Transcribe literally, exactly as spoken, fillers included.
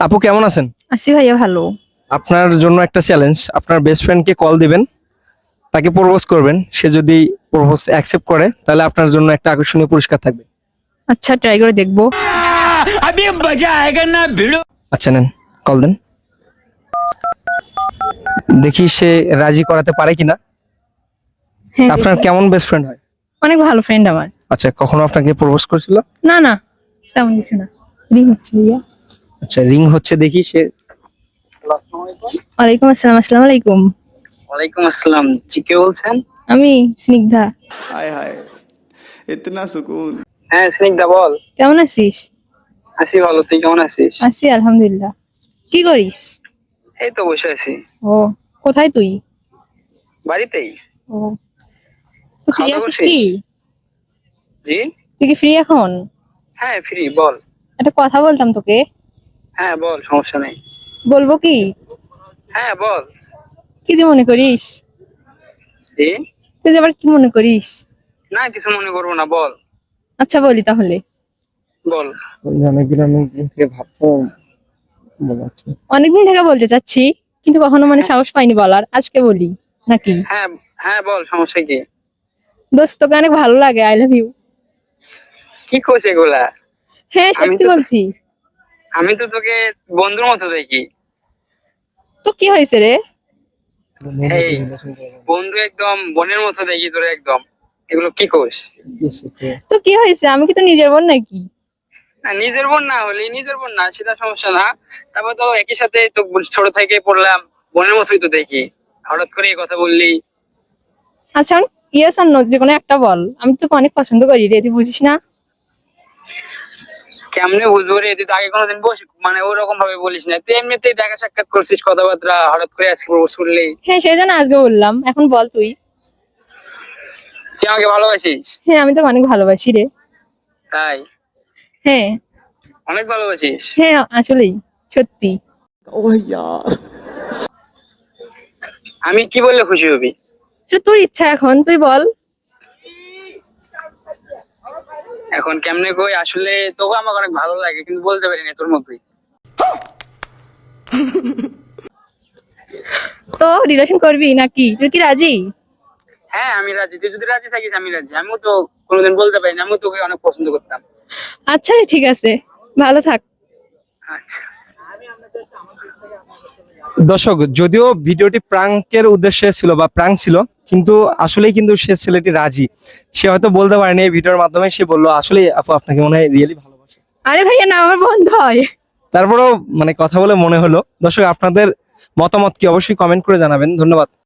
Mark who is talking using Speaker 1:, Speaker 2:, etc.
Speaker 1: আপু কেমন আছেন?
Speaker 2: আছি ভাইয়া ভালো।
Speaker 1: আপনার জন্য একটা চ্যালেঞ্জ, আপনার বেস্ট ফ্রেন্ডকে কল দিবেন, তাকে প্রপোজ করবেন। সে যদি প্রপোজ অ্যাকসেপ্ট করে তাহলে আপনার জন্য একটা আকর্ষণীয় পুরস্কার থাকবে।
Speaker 2: আচ্ছা ট্রাই করে দেখবো।
Speaker 3: अभी मजा आएगा ना भिड़ो।
Speaker 1: আচ্ছা নেন, কল দেন, দেখি সে রাজি করাতে পারে কিনা।
Speaker 2: হ্যাঁ,
Speaker 1: আপনার
Speaker 2: দেখি।
Speaker 1: কেমন বেস্ট ফ্রেন্ড হয়?
Speaker 2: অনেক ভালো ফ্রেন্ড আমার।
Speaker 1: আচ্ছা, কখনো আপনাকে প্রপোজ করেছিল?
Speaker 2: না না, তেমন কিছু না। রিং হচ্ছে ভাইয়া।
Speaker 1: আচ্ছা, রিং হচ্ছে, দেখি সে।
Speaker 2: ওয়ালাইকুম আসসালাম। আসসালামু আলাইকুম।
Speaker 4: ওয়ালাইকুম আসসালাম। জি, কে বলছেন?
Speaker 2: আমি স্নিগ্ধা।
Speaker 5: हाय हाय इतना सुकून।
Speaker 4: হ্যাঁ, স্নিগ্ধা বল।
Speaker 2: কেমন আছিস?
Speaker 4: আছি ভালো, তুই কেমন আছিস?
Speaker 2: আছি আলহামদুলিল্লাহ। কি করিস?
Speaker 4: এই তো বসে আছি
Speaker 2: ও, কোথায় তুই?
Speaker 4: বাড়িতেই।
Speaker 2: ও, তুই ফ্রি
Speaker 4: খাওয়া দাওয়া
Speaker 2: আছিস
Speaker 4: করছিস?
Speaker 2: কি?
Speaker 4: জি,
Speaker 2: তুই কি ফ্রি এখন?
Speaker 4: হ্যাঁ ফ্রি, বল।
Speaker 2: একটা কথা বলতাম তোকে।
Speaker 4: হ্যাঁ বল, সমস্যা নেই।
Speaker 2: বলবো কি?
Speaker 4: হ্যাঁ বল।
Speaker 2: কি যে মনে করিস?
Speaker 4: জি,
Speaker 2: তুই যে আবার কি মনে করিস?
Speaker 4: না কিছু মনে করবো না, বল।
Speaker 2: আচ্ছা বলি তাহলে।
Speaker 4: বল।
Speaker 1: অনেকদিন অনেকদিন থেকে ভাববো, মনে হচ্ছে।
Speaker 2: অনেকদিন থেকে বলতে চাচ্ছি, কিন্তু কখনো মানে সাহস পাইনি বলার। আজকে বলি নাকি?
Speaker 4: হ্যাঁ হ্যাঁ বল, সমস্যা কি?
Speaker 2: দোস্ত, তোকে অনেক ভালো লাগে। I love you.
Speaker 4: কি করছে এগুলা?
Speaker 2: হ্যাঁ
Speaker 4: আমি
Speaker 2: সত্যি
Speaker 4: তো-
Speaker 2: বলছি।
Speaker 4: আমি তো তোকে বন্ধুর মতো দেখি।
Speaker 2: তো কি হয়েছে রে?
Speaker 4: এই বন্ধু, একদম বোনের মতো দেখি তোরে একদম। এগুলো কি কোস?
Speaker 2: তো কি হয়েছে? আমি কি তো নিজের বোন নাকি?
Speaker 4: না, নিজের বোন না হলে নিজের বোন না, সেটা সমস্যা না। তারপর তো একই সাথে তো ছোট থেকে পড়লাম, বোনের মতোই তো দেখি। হঠাৎ করে এই কথা বললি।
Speaker 2: আচ্ছা ইয়েস আর নো যে কোনো একটা বল। আমি তো তোকে অনেক পছন্দ করি রে, তুই বুঝিস না?
Speaker 4: কেমনে বুঝবো রে? তুই তো আগে কোনোদিন বস মানে ওরকম ভাবে বলিস না, তুই এমনিতেই দেখা সাক্ষাৎ করছিস, কথাবার্তা, হঠাৎ করে আজকে প্রপোজ করলি।
Speaker 2: হ্যাঁ সেই জন্য আজকে বললাম। এখন বল তুই।
Speaker 4: তুই আমাকে ভালোবাসিস?
Speaker 2: হ্যাঁ আমি তো অনেক ভালোবাসি রে।
Speaker 4: তাই?
Speaker 2: হ্যাঁ
Speaker 4: অনেক ভালোবাসিস?
Speaker 2: হ্যাঁ আসলেই সত্যি।
Speaker 5: ओह यार
Speaker 4: আমি কি বললে খুশি হবি?
Speaker 2: সেটা তোর ইচ্ছা, এখন তুই বল।
Speaker 4: এখন কেমনে কই, আসলে তোকে আমাকে অনেক ভালো লাগে কিন্তু বলতে পারি না, তোর মতোই।
Speaker 2: তো রিলেশন করবি নাকি? তুই কি রাজি?
Speaker 4: হ্যাঁ আমি রাজি, তুই যদি রাজি থাকিস আমি রাজি। আমিও তো কোনোদিন বলতে পারি না, আমিও তোকে অনেক পছন্দ করতাম।
Speaker 2: আচ্ছা রে, ঠিক আছে, ভালো থাক।
Speaker 4: আচ্ছা।
Speaker 1: দর্শক, যদিও ভিডিওটি প্রাঙ্কের উদ্দেশ্যে ছিল বা প্রাঙ্ক ছিল, কিন্তু আসলেই কিন্তু সে ছেলেটি রাজি। সে হয়তো বলতে পারেনি, এই ভিডিওর মাধ্যমে সে বললো আসলে আপু আপনাকে মনে হয় রিয়েলি ভালোবাসে।
Speaker 2: আরে ভাইয়া না, আমার বন্ধ হয়।
Speaker 1: তারপরেও মানে কথা বলে মনে হলো। দর্শক, আপনাদের মতামত কি অবশ্যই কমেন্ট করে জানাবেন। ধন্যবাদ।